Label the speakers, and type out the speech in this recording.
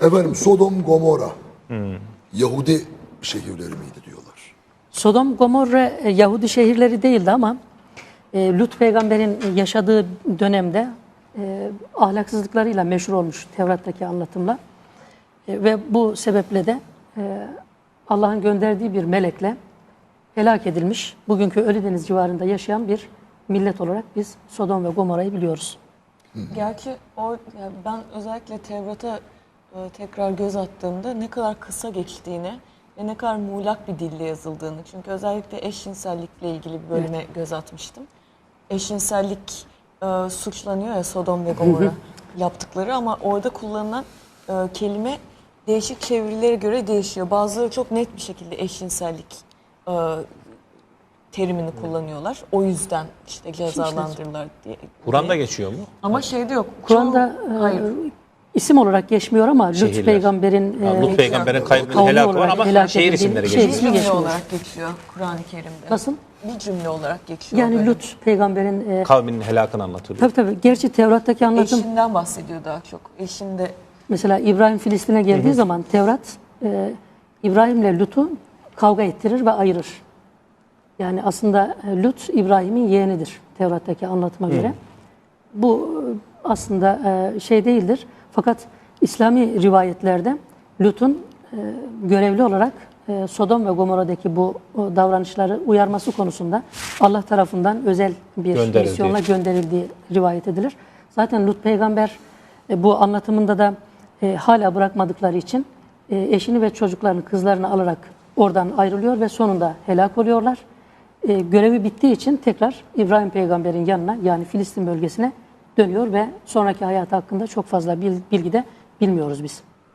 Speaker 1: Efendim Sodom, Gomorra Yahudi şehirleri miydi diyorlar.
Speaker 2: Sodom, Gomorra Yahudi şehirleri değildi ama Lut peygamberin yaşadığı dönemde ahlaksızlıklarıyla meşhur olmuş Tevrat'taki anlatımla. Ve bu sebeple de Allah'ın gönderdiği bir melekle helak edilmiş, bugünkü Ölüdeniz civarında yaşayan bir millet olarak biz Sodom ve Gomorra'yı biliyoruz.
Speaker 3: Gerçi yani ben özellikle Tevrat'a tekrar göz attığımda ne kadar kısa geçtiğini ve ne kadar muğlak bir dille yazıldığını. Çünkü özellikle eşcinsellikle ilgili bir bölüme göz atmıştım. Eşcinsellik suçlanıyor ya Sodom ve Gomorra yaptıkları ama orada kullanılan kelime değişik çevirilere göre değişiyor. Bazıları çok net bir şekilde eşcinsellik terimini kullanıyorlar. O yüzden işte cezalandırırlar diye.
Speaker 4: Kur'an'da geçiyor mu?
Speaker 3: Ama şeyde yok.
Speaker 2: Kur'an'da isim olarak geçmiyor ama Lut
Speaker 4: Şehirler.
Speaker 2: peygamberin
Speaker 4: Lut peygamberin kaybının
Speaker 2: kavmi
Speaker 4: helakı var
Speaker 2: olarak
Speaker 4: ama
Speaker 2: helak
Speaker 4: şehir
Speaker 2: edildiği
Speaker 4: isimleri
Speaker 2: şey
Speaker 4: geçiyor.
Speaker 2: ismi
Speaker 3: Bir cümle
Speaker 2: geçmiyor.
Speaker 3: olarak geçiyor Kur'an-ı Kerim'de.
Speaker 2: Nasıl?
Speaker 3: Bir cümle olarak geçiyor.
Speaker 2: Yani
Speaker 3: böyle.
Speaker 2: Lut peygamberin
Speaker 4: Kavminin helakını anlatılıyor.
Speaker 2: tabii. Gerçi Tevrat'taki anlatım
Speaker 3: Eşinden bahsediyor daha çok. Eşinde
Speaker 2: mesela İbrahim Filistin'e geldiği zaman Tevrat İbrahim'le Lut'u kavga ettirir ve ayırır. Yani aslında Lut İbrahim'in yeğenidir Tevrat'taki anlatıma göre. Bu aslında şey değildir. Fakat İslami rivayetlerde Lut'un görevli olarak Sodom ve Gomorra'daki bu davranışları uyarması konusunda Allah tarafından özel bir misyonla gönderildiği rivayet edilir. Zaten Lut peygamber bu anlatımında da hala bırakmadıkları için eşini ve çocuklarını, kızlarını alarak oradan ayrılıyor ve sonunda helak oluyorlar. Görevi bittiği için tekrar İbrahim peygamberin yanına yani Filistin bölgesine dönüyor ve sonraki hayatı hakkında çok fazla bilgi de bilmiyoruz biz.